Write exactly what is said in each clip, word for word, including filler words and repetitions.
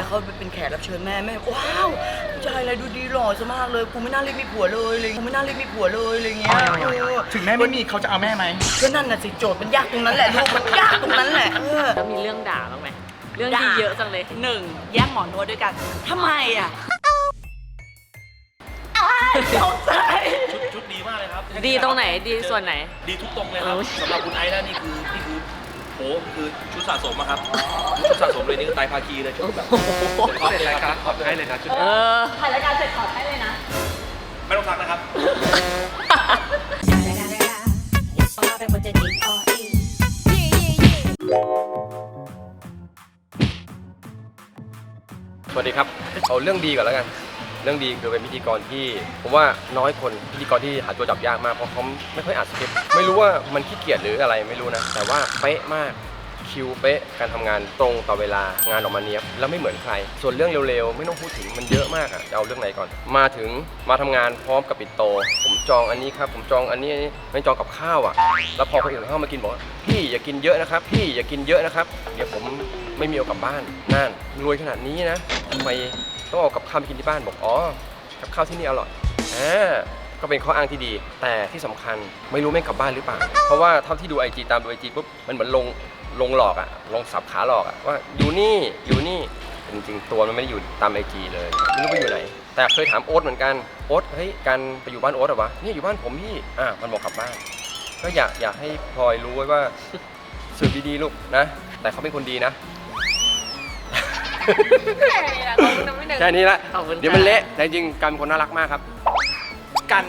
แล้วเขาเป็นแขกรับเชิญแม่แม่ว้าวผู้ชายอะไรดูดีหล่อซะมากเลยกูไม่น่าเรียกมีผัวเลยเลยกูไม่น่าเรียกมีผัวเลยอะไรเงี้ยถึงแม่ไม่มีเขาจะเอาแม่ไหมก็นั่นน่ะสิโจทย์มันยากตรงนั้นแหละลูกมันยากตรงนั้นแหละเออแล้วมีเรื่องด่าบ้างไหมเรื่องที่เยอะจังเลยหนึ่งแย่งหมอนวดด้วยกันทำไมอ่ะตกใจชุดชุดดีมากเลยครับดีตรงไหนดีส่วนไหนดีทุกตรงเลยครับสำหรับคุณไอซ์แล้วนี่คือนี่คือโหคือชุดสะสมอะครับชุดสะสมเลยนี่คือไตรภาคีเลยชุดแบบขอบเลยครับขอบให้เลยนะชุดเออถ่ายรายการเสร็จขอให้เลยนะไม่ต้องซักนะครับสวัสดีครับเอาเรื่องดีก่อนแล้วกันเรื่องดีคือเป็นพิธีกรที่ผมว่าน้อยคนพิธีกรที่หาตัวจับยากมากเพราะเขาไม่ค่อยอ่านสคริปต์ไม่รู้ว่ามันขี้เกียจหรืออะไรไม่รู้นะแต่ว่าเป๊ะมากคิวเป๊ะการทำงานตรงต่อเวลางานออกมาเนี้ยบแล้วไม่เหมือนใครส่วนเรื่องเร็วๆไม่ต้องพูดถึงมันเยอะมากอ่ะจะเอาเรื่องไหนก่อนมาถึงมาทำงานพร้อมกับปิดโตผมจองอันนี้ครับผมจองอันนี้ไม่จองกับข้าวอ่ะแล้วพอคนอื่นเข้ามากินบอกว่าพี่อย่ากินเยอะนะครับพี่อย่ากินเยอะนะครับเดี๋ยวผมไม่มีเอากลับบ้านนั่นรวยขนาดนี้นะทำไมต้องเอากับข้าวไปกินที่บ้านบอกอ๋อกับข้าวที่นี่อร่อยอ่าก็เป็นข้ออ้างที่ดีแต่ที่สำคัญไม่รู้แม่งกลับบ้านหรือเปล่าเพราะว่าเท่าที่ดู ไอ จี ตามดู ไอ จี ปุ๊บมันเหมือนลงลงหลอกอะลงสับขาหลอกอะว่าอยู่นี่อยู่นี่จริงๆตัวมันไม่ได้อยู่ตาม ไอ จี เลยไม่รู้ไปอยู่ไหนแต่เคยถามโอ๊ตเหมือนกันโอ๊ตเฮ้ยการไปอยู่บ้านโอ๊ตเหรอวะนี่อยู่บ้านผมพี่อ่ามันบอกกลับบ้านก็อยากอยากให้พลอยรู้ไว้ว่าสืบดีๆลูกนะแต่เขาเป็นคนดีนะแค่นี้ละเดี๋ยวมันเละแต่จริงๆกันเป็นคนน่ารักมากครับกัน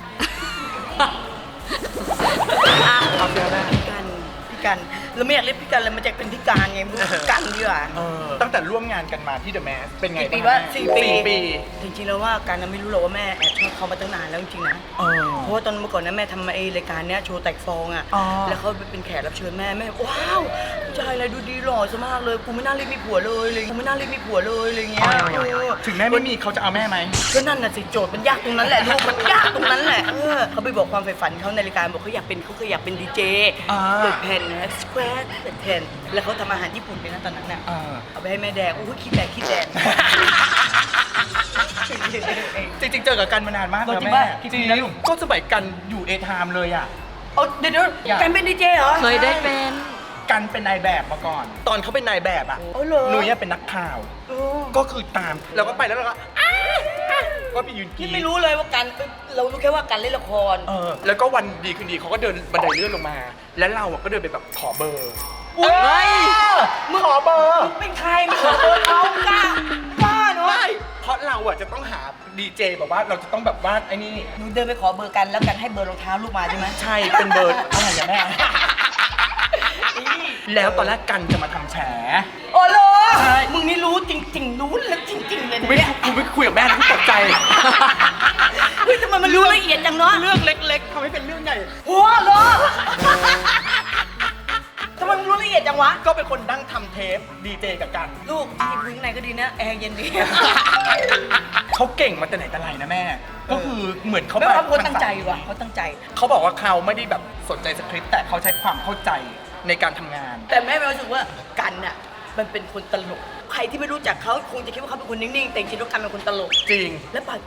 เอาเสียแม่กันพี่กันเราไม่อยากเรียกพี่กันเลยมันจะเป็นพี่การไงมึงกันดีกว่าตั้งแต่ร่วมงานกันมาที่เดอะแมสเป็นไงปีว่าสี่ปีจริงๆแล้วว่าการไม่รู้หรอกว่าแม่แอบชอบเขามาตั้งนานแล้วจริงๆนะเพราะว่าตอนเมื่อก่อนนะแม่ทำไอ้รายการเนี้ยโชว์แตกฟองอ่ะแล้วเขาเป็นแขกรับเชิญแม่แม่ว้าวผู้ชายอะไรดูดีหล่อซะมากเลยกูไม่น่าเรียกมีผัวเลยเลยกูไม่น่าเรียกมีผัวเลยอะไรเงี้ยถึงแม่ไม่มีเขาจะเอาแม่ไหมก็นั่นน่ะสิโจทย์มันยากตรงนั้นแหละลูกมันยากตรงนั้นแหละเขาไปบอกความใฝ่ฝันเขาในรายการบอกเขาอยากเป็นเขาเคยอยากเป็นดีเจเปิดแผ่นนะสแควร์เปิดแผ่นแล้วเขาทำอาหารญี่ปุ่นเป็นนะตอนนั้นน่ะเอาไปให้แม่แดงโอ้ยคิดแดงคิดแดงจริงๆเจอกับกันมานานมากแล้วแม่จริงๆก็สมัยกันอยู่เอทามเลยอ่ะเอาเดี๋ยวๆกันเป็นดีเจเหรอเคยได้เป็นกันเป็นนายแบบมาก่อนตอนเขาเป็นนายแบบอ่ะหนุ่ยเป็นนักข่าวก็คือตามแล้วก็ไปแล้วเราก็ก็ไปยืนกินไม่รู้เลยว่ากันเรารู้แค่ว่ากันเล่นละครเออแล้วก็วันดีคืนดีเขาก็เดินบันไดเลื่อนลงมาแล้วเราก็เดินไปแบบขอเบอร์เฮ้ยมึงขอเบอร์เป็นใครมึงขอเบอร์เขากล้าบ้าเนาะเพราะเราอ่ะจะต้องหาดีเจแบบว่าเราจะต้องแบบว่าไอ้นี่หนูเดินไปขอเบอร์กันแล้วกันให้เบอร์รองเท้าลูกมาใช่ไหมใช่เป็นเบอร์อะไรอย่างแม่แล้วตอนแรกกันจะมาทำแฉโอ้โหมึงนี่รู้จริงๆรู้แล้วจริงๆเลยเนี่ยกูไม่คุยกับแม่กูตกใจเฮ้ยทำไมมันรู้ละเอียดจังเนาะเรื่องเล็กๆทำให้เป็นเรื่องใหญ่โอ้โหทำไมมึงรู้ละเอียดจังวะก็เป็นคนนั่งทำเทปดีเจกับกันลูกที่พื้นไหนก็ดีนะแอร์เย็นดีเขาเก่งมาแต่ไหนแต่ไรนะแม่ก็คือเหมือนเขาแบบเขาตั้งใจว่ะเขาตั้งใจเขาบอกว่าเขาไม่ได้แบบสนใจสคริปต์แต่เขาใช้ความเข้าใจในการทำงานแต่แม่รู้สึกว่ากันน่ะมันเป็นคนตลกใครที่ไม่รู้จักเขาคงจะคิดว่าเขาเป็นคนนิ่งๆแต่จริงๆแล้วกันเป็นคนตลกจริงและปัด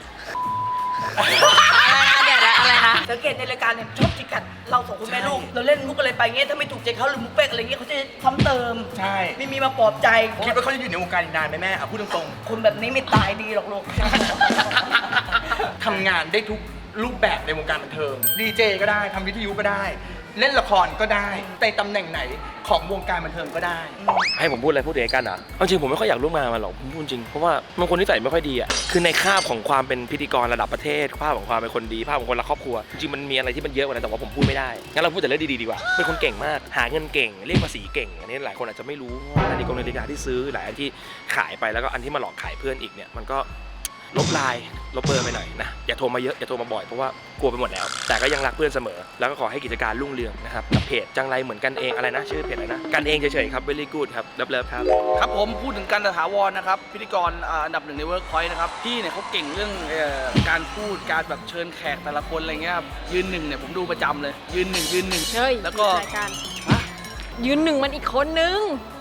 อะไรนะเดี๋ยวอะไรนะสังเกตในรายการเนี่ยชอบจิกกัดเราสองคนแม่ลูกเราเล่นมุกอะไรไปเงี้ยถ้าไม่ถูกใจเขาหรือมุกเป๊กอะไรเงี้ยเขาจะซ้ำเติมใช่ไม่มีมาปลอบใจคิดว่าเขาจะอยู่ในวงการอีกนานไหมแม่อ่ะพูดตรงๆคนแบบนี้ไม่ตายดีหรอกลูกทำงานได้ทุกรูปแบบในวงการบันเทิงดีเจก็ได้ทำวิทยุก็ได้เล่นละครก็ได้แต่ตำแหน่งไหนของวงการบันเทิงก็ได้ให้ผมพูดอะไรพูดเองกันเหรอจริงผมไม่ค่อยอยากร่วมงานมาหรอกผมพูดจริงเพราะว่ามันคนนิสัยไม่ค่อยดีอ่ะคือในคาบของความเป็นพิธีกรระดับประเทศภาพของความเป็นคนดีภาพของคนรักครอบครัวจริงมันมีอะไรที่มันเยอะกว่านั้นแต่ว่าผมพูดไม่ได้งั้นเราพูดแต่เรื่องดีๆดีกว่าเป็นคนเก่งมากหาเงินเก่งเรียกภาษีเก่งอันนี้หลายคนอาจจะไม่รู้นาฬิกานาฬิกาที่ซื้อหลายอันที่ขายไปแล้วก็อันที่มาหลอกขายเพื่อนอีกเนี่ยมันก็ลบไลน์ลบเบอร์ไปหน่อยนะอย่าโทรมาเยอะอย่าโทรมาบ่อยเพราะว่ากลัวไปหมดแล้วแต่ก็ยังรักเพื่อนเสมอแล้วก็ขอให้กิจการรุ่งเรืองนะครับกับเพจจังไรเหมือนกันเองอะไรนะชื่อเพจอะไรนะกันเองเฉยๆครับ very good ครับเลิฟๆครับครับผมพูดถึงกันถาวรนะครับพิธีกรอันดับหนึ่งในเวิร์กพอยต์นะครับพี่เนี่ยเขาเก่งเรื่องการพูดการแบบเชิญแขกแต่ละคนอะไรเงี้ยยืนหนึ่งเนี่ยผมดูประจำเลยยืนหนึ่งยืนหนึ่งเฮ้ยแล้วก็ยืนหนึ่งมันอีกคนนึง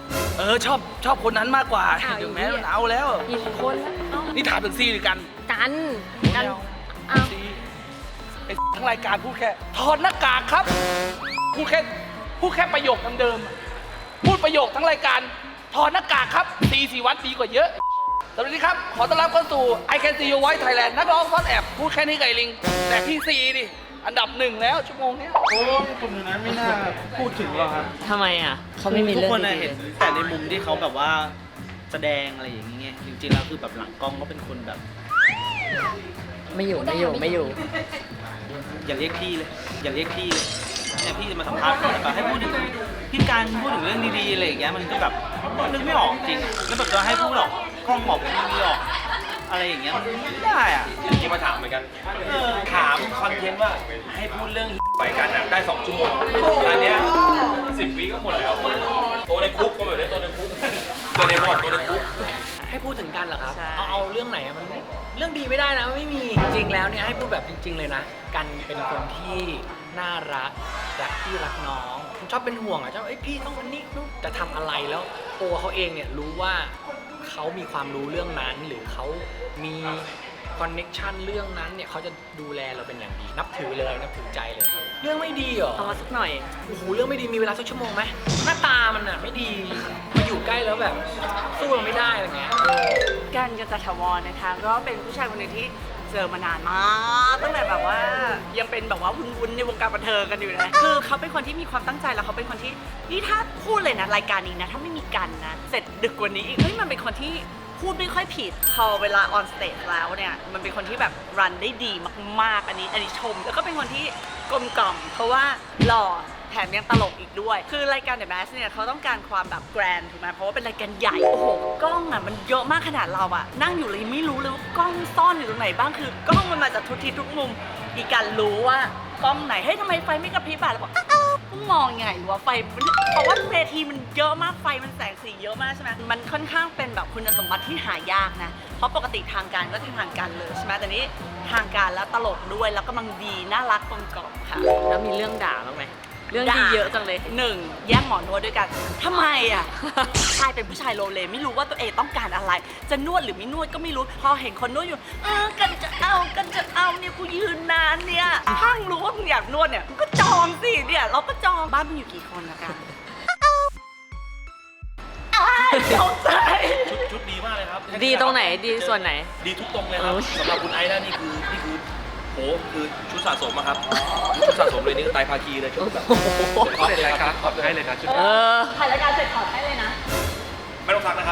เออชอบชอบคนนั้นมากกว่าอ้าวถึงแม้มันเอาแล้วอีกคนแล้วเอ้านี่ถามถึงซีหรือกันกันกันเอ้าซีไอ้ทั้งรายการพูดแค่ถอดหน้ากากครับพูดแค่พูดแค่ประโยคเดิมๆพูดประโยคทั้งรายการถอดหน้ากากครับซีสีวัดดีกว่าเยอะสวัสดีครับขอต้อนรับเข้าสู่ I Can See Your Voice Thailand นักร้องซ่อนแอบพูดแค่นี้ไก่ลิงแต่พี่ซีดิอันดับหนึ่งแล้วชั่วโมงเนี้ยโอ้คนนั้นไม่น่าพูดถึงหรอกครับทำไมอ่ะเขาไม่มีทุกเรื่องคนน่ะดีเห็นแต่ในมุมที่เขาแบบว่าแสดงอะไรอย่างเงี้ยจริงๆแล้วคือแบบหลังกล้องก็เป็นคนแบบๆไม่อยู่ไม่อยู่ไม่อยู่อย่าเรียกพี่เลย อย่าเรียกพี่เลยเนี่ยพี่จะมาสัมภาษณ์แบบให้พูดถึงพี่การพูดถึงเรื่องดีๆอะไรอย่างเงี้ยมันก็แบบนึกไม่ออกจริงแล้วแบบจะให้พูดหรอกกล้องบอกไม่มีหรอกอะไรอย่างเงี้ยมันไม่ได้อ่ะที่มาถามเหมือนกัน ถามคอนเทนต์ว่าให้พูดเรื่องไปกันอะได้สองชั่วโมงอันเนี้ยสิบวิก็หมดแล้วตัวในคุกก็แบบนี้ตัวในคุกตัวในบอดตัวในคุกให้พูดถึงกันเหรอครับใช่เอาเอาเรื่องไหนอะมันไม่เรื่องดีไม่ได้นะไม่มีจริงๆแล้วเนี่ยให้พูดแบบจริง ๆเลยนะ กันเป็นคนที่น่ารักรักพี่รักน้องชอบเป็นห่วงอ่ะชอบเอ้ยพี่ต้องอันนี้นู่นจะทำอะไรแล้วตัวเขาเองเนี่ยรู้ว่าเขามีความรู้เรื่องนั้น หรือเขามีคอนเน็กชันเรื่องนั้นเนี่ยเขาจะดูแลเราเป็นอย่างดี นับถือเลยนับถือใจเลยครับเรื่องไม่ดีเหรอเอามาสักหน่อยโอ้โหเรื่องไม่ดีมีเวลาสักชั่วโมงไหมหน้าตามันอ่ะไม่ดีมาอยู่ใกล้แล้วแบบสู้เราไม่ได้อะไรเงี้ยกันกันจัตถาวรนะคะก็เป็นผู้ชายคนหนึ่งที่เจอมานานมากตั้งแต่แบบว่ายังเป็นแบบว่าวุ้นๆในวงการบันเทิงกันอยู่นะคือเขาเป็นคนที่มีความตั้งใจแล้วเขาเป็นคนที่นี่ถ้าพูดเลยนะรายการนี้นะถ้าไม่มีกันนะเสร็จดึกกว่านี้อีกเฮ้ยมันเป็นคนที่พูดไม่ค่อยผิดพอเวลาออนสเตจแล้วเนี่ยมันเป็นคนที่แบบรันได้ดีมากๆอันนี้อันนี้ชมแล้วก็เป็นคนที่กลมกล่อมเพราะว่าหล่อแถมยังตลกอีกด้วย คือรายการ The Mask เนี่ยเขาต้องการความแบบแกรนด์ถูกไหมเพราะว่าเป็นรายการใหญ่ โอ้โห กล้องอ่ะมันเยอะมากขนาดเราอ่ะ นั่งอยู่เลยไม่รู้เลยว่ากล้องซ่อนอยู่ตรงไหนบ้าง คือกล้องมันมาจากทุกทิศทุกมุม อีกการรู้ว่ากล้องไหน เฮ้ยทำไมไฟไม่กระพริบอ่ะแล้วบอกอ้าวมึงมองยังไงวะไฟมันเพราะว่าเวทีมันเยอะมาก ไฟมันแสงสีเยอะมากใช่ไหมมันค่อนข้างเป็นแบบคุณสมบัติที่หายากนะ เพราะปกติทางการก็ทางการเลยใช่ไหมแต่นี้ทางการแล้วตลกด้วย แล้วกำลังดี น่ารักกลมกล่อมค่ะแล้วมีเรื่องด่าบ้างไหมเรื่องดีเยอะจังเลยหนึ่งแย่งหมอนวดด้วยกันทำไมอ่ะ ชายเป็นผู้ชายโลเลไม่รู้ว่าตัวเองต้องการอะไร จะนวดหรือไม่นวดก็ไม่รู้ พอเห็นคนนวดอยู่เออกันจะเอากันจะเอาเนี่ยกูยืนนานเนี่ยถ้ามึงรู้ว่ามึงอยากนวดเนี่ยมึงก็จองสิเนี่ยเราก็จองบ้านมึงอยู่กี่คนละกันอ้าวตกใจชุดชุดดีมากเลยครับดีตรงไหนดีส่วนไหนดีทุกตรงเลยครับเออสำหรับคุณไอซ์นะนี่คือนี่คือโหคือชุดสะสมอะครับชุดสะสมเลยนี่คือไตรภาคีเลยชุดแบบเสร็จรายการขอบให้เลยนะชุดเออถ่ายรายการเสร็จถอดให้เลยนะไม่ต้องซักนะครับ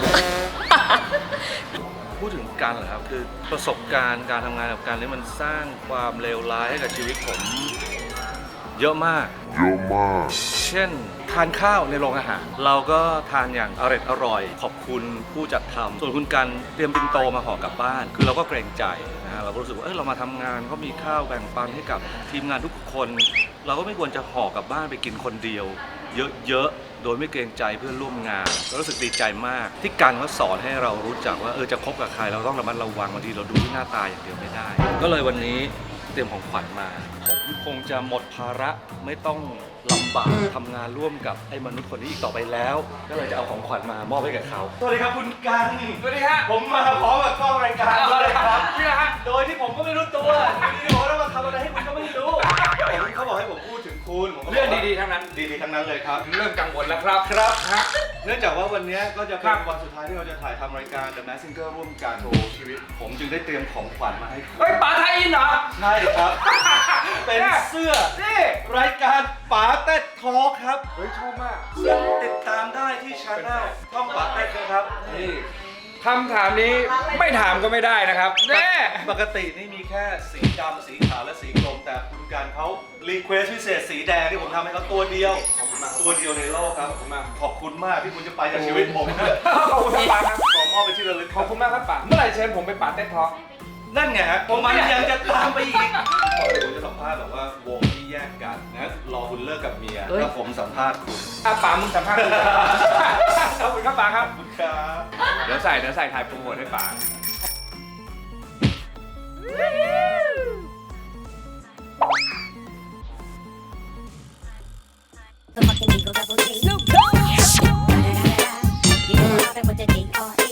พูดถึงการเหรอครับคือประสบการณ์การทำงานกับการนี้มันสร้างความเลวร้ายให้กับชีวิตผมเยอะมากเยอะมาก เช่นทานข้าวในโรงอาหาร เราก็ทานอย่างอร่อยอร่อยขอบคุณผู้จัดทำส่วนคุณกันเตรียมปินโตมาห่อกลับบ้าน คือเราก็เกรงใจนะฮะเราก็รู้สึกว่าเออเรามาทำงานก็มีข้าวแบ่งปันให้กับทีมงานทุกคน เราก็ไม่ควรจะห่อกลับบ้านไปกินคนเดียว เยอะๆ โดยไม่เกรงใจเพื่อนร่วมงานก็รู้สึกดีใจมาก ที่กันเขาสอนให้เรารู้จักว่าเออจะคบกับใครเราต้องระมัดระวังบางทีเราดูที่หน้าตาอย่างเดียวไม่ได้ ก็เลยวันนี้เตรียมของขวัญมาผมคงจะหมดภาระไม่ต้องลำบากทำงานร่วมกับไอ้มนุษย์คนนี้อีกต่อไปแล้ว ก็เลยจะเอาของขวัญมามอบให้กับเขาสวัสดีครับคุณกันสวัสดีฮะผมมาพร้อมกับกล้องรายการเลยครับนี่นะฮะโดยที่ผมก็ไม่รู้ตัวอยู่ดีๆผมก็มาทำอะไรให้คุณก็ไม่รู้เขาบอกให้ผมพูดถึงคุณผมก็เรื่องดีๆทั้งนั้นดีๆทั้งนั้นเลยครับเริ่มกังวลแล้วครับครับเนื่องจากว่าวันนี้ก็จะเป็นวันสุดท้ายที่เราจะถ่ายทำรายการ The Mask Singer ร่วมกันโชว์ชีวิต ผมจึงได้เตรียมของขวัญมาให้คุณเฮ้ยป๋าไทยอินเหรอใช่ครับ เป็นเสื้อนี่รายการป๋าเต็ดทอล์คครับเฮ้ยชอบมากติดตามได้ที่ช anel ช่องป๋าเต็ดนะครับนี่คำถามนี้ไม่ถามก็ไม่ได้นะครับแน่ปกตินี่มีแค่สีดำสีขาวและสีกรมแต่คุณการเขารีเควสพิเศษสีแดงที่ผมทำให้เขาตัวเดียวขอบคุณมากตัวเดียวในโลกครับขอบคุณมากขอบคุณมากที่คุณจะไปจากชีวิตผมขอบคุณครับป๋าครับขอมอบไปนที่ระลึกขอบคุณมากครับป๋าเมื่อไหร่เชิญผมไปป๋าเต้นท้องนั่นไงฮะผมมันยังจะตามไปอีกก่อนที่ผมจะสัมภาษณ์แบบว่าวงที่แยกกันนะรอคุณเลิกกับเมียเฮ้ยแล้วผมสัมภาษณ์คุณอ่ะป๋ามึงสัมภาษณ์กูขอบคุณครับป๋าครับขอบคุณครับเดี๋ยวใส่เดี๋ยวใส่ถ่ายโปรโมทให้ป๋า The fucking Eagle Double G. Snoop Dogg. say what the D R E